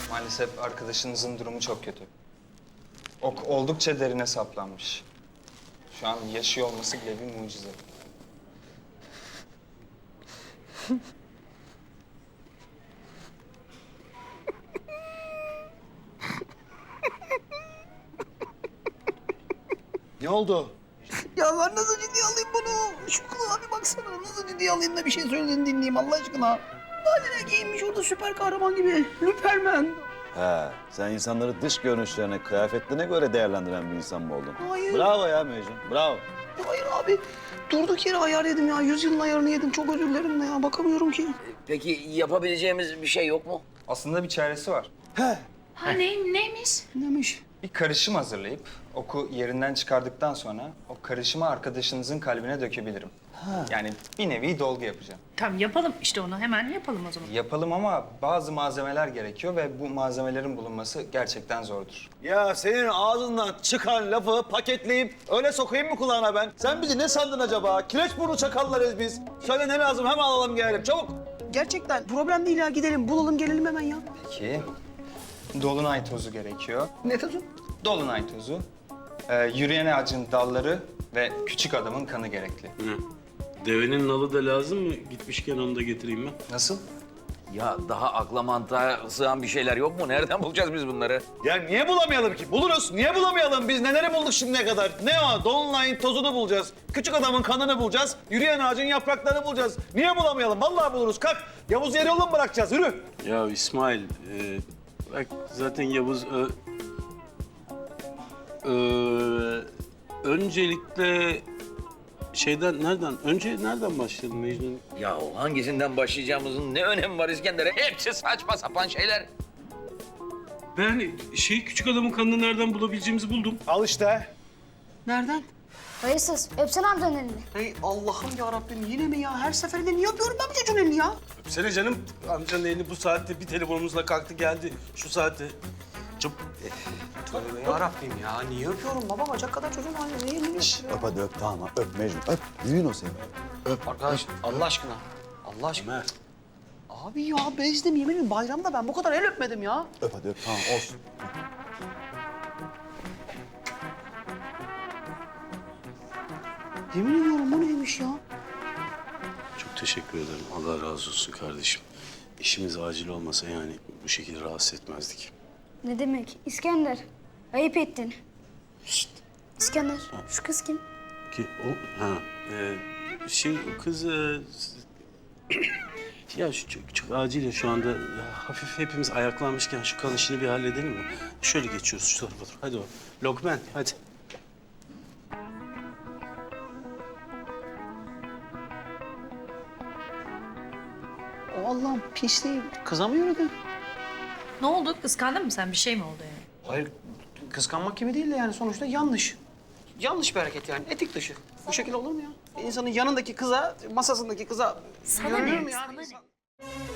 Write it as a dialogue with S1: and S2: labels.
S1: Maalesef arkadaşınızın durumu çok kötü. Ok oldukça derine saplanmış. Şu an yaşıyor olması bile bir mucize.
S2: Ne oldu?
S3: Ya ben nasıl ciddiye alayım bunu? Şu kulağa bir baksana. Nasıl ciddiye alayım da bir şey söylediğini dinleyeyim Allah aşkına. Haline giyinmiş orada süper kahraman gibi. Lüpermen.
S2: He, sen insanları dış görünüşlerine, kıyafetlerine göre değerlendiren bir insan mı oldun?
S3: Hayır.
S2: Bravo ya Mecnun, bravo.
S3: Hayır abi. Durduk yere ayar yedim ya. 100 yılın ayarını yedim. Çok özür dilerim de ya. Bakamıyorum ki.
S4: Peki yapabileceğimiz bir şey yok mu?
S1: Aslında bir çaresi var.
S5: Ha neymiş?
S3: Neymiş?
S1: Bir karışım hazırlayıp oku yerinden çıkardıktan sonra o karışımı arkadaşınızın kalbine dökebilirim. Yani bir nevi dolgu yapacağım.
S5: Tamam yapalım işte onu hemen yapalım o zaman.
S1: Yapalım ama bazı malzemeler gerekiyor ve bu malzemelerin bulunması gerçekten zordur.
S2: Ya senin ağzından çıkan lafı paketleyip öyle sokayım mı kulağına ben? Sen bizi ne sandın acaba? Kireç burnu çakallarız biz. Söyle ne lazım hemen alalım gelelim çabuk.
S3: Gerçekten problem değil ya. Gidelim bulalım gelelim hemen ya.
S1: Peki, dolunay tozu gerekiyor.
S3: Ne tadı?
S1: Dolunay tozu, yürüyen ağacın dalları ve küçük adamın kanı gerekli.
S6: Devenin nalı da lazım mı? Gitmişken onu da getireyim ben.
S1: Nasıl?
S4: Ya daha akla mantığa sığan bir şeyler yok mu? Nereden bulacağız biz bunları?
S2: Ya niye bulamayalım ki? Buluruz. Niye bulamayalım? Biz neleri bulduk şimdiye kadar? Ne o? Dolunay'ın tozunu bulacağız. Küçük adamın kanını bulacağız. Yürüyen ağacın yapraklarını bulacağız. Niye bulamayalım? Vallahi buluruz. Kalk. Yavuz yarı yolda mı bırakacağız? Yürü.
S6: Ya İsmail, bak zaten Yavuz... öncelikle nereden başladın Mecnun?
S4: Ya hangisinden başlayacağımızın ne önemi var İskender'e? Hepsi saçma sapan şeyler.
S6: Ben küçük adamın kanını nereden bulabileceğimizi buldum.
S2: Al işte.
S3: Nereden?
S7: Hayırsız. Öpsene amcanın elini.
S3: Hey Allah'ım ya Rabbim yine mi ya? Her seferinde niye yapıyorum ben bu çocuğun elini ya?
S6: Öpsene canım. Amcanın elini bu saatte bir telefonumuzla kalktı geldi. Şu saatte.
S3: Tövbe ya Rabbim ya. Niye öpüyorum baba? Bacak kadar çocuğun halinde. Niye elini öpüyorum?
S2: Öp hadi öp tamam. Öp Mecnun. Öp. Düğün o senin.
S3: Arkadaş Allah aşkına. Allah aşkına.
S6: Ömer.
S3: Abi ya bezdim yemin ederim bayramda ben bu kadar el öpmedim ya.
S2: Öp hadi öp tamam olsun.
S3: Yemin ediyorum bu neymiş ya?
S6: Çok teşekkür ederim. Allah razı olsun kardeşim. İşimiz acil olmasa yani bu şekilde rahatsız etmezdik.
S7: Ne demek? İskender. Ayıp ettin. Şşt. İskender. Şu kız kim?
S6: Ki o o kız ya çok acil ya şu anda ya, hafif hepimiz ayaklanmışken şu kan işini bir halledelim mi? Şöyle geçiyoruz şu tarafa doğru. Hadi o. Lokman hadi.
S3: Allah'ım pisliğim. Kıza mı yürüdün?
S5: Ne oldu? Kıskandın mı sen? Bir şey mi oldu yani?
S3: Hayır kıskanmak gibi değil de yani sonuçta yanlış. Yanlış bir hareket yani etik dışı. Bu şekilde olur mu ya? İnsanın yanındaki kıza, masasındaki kıza
S5: Sana
S3: yürünür
S5: ne?
S3: mü ya?
S5: Sana ne?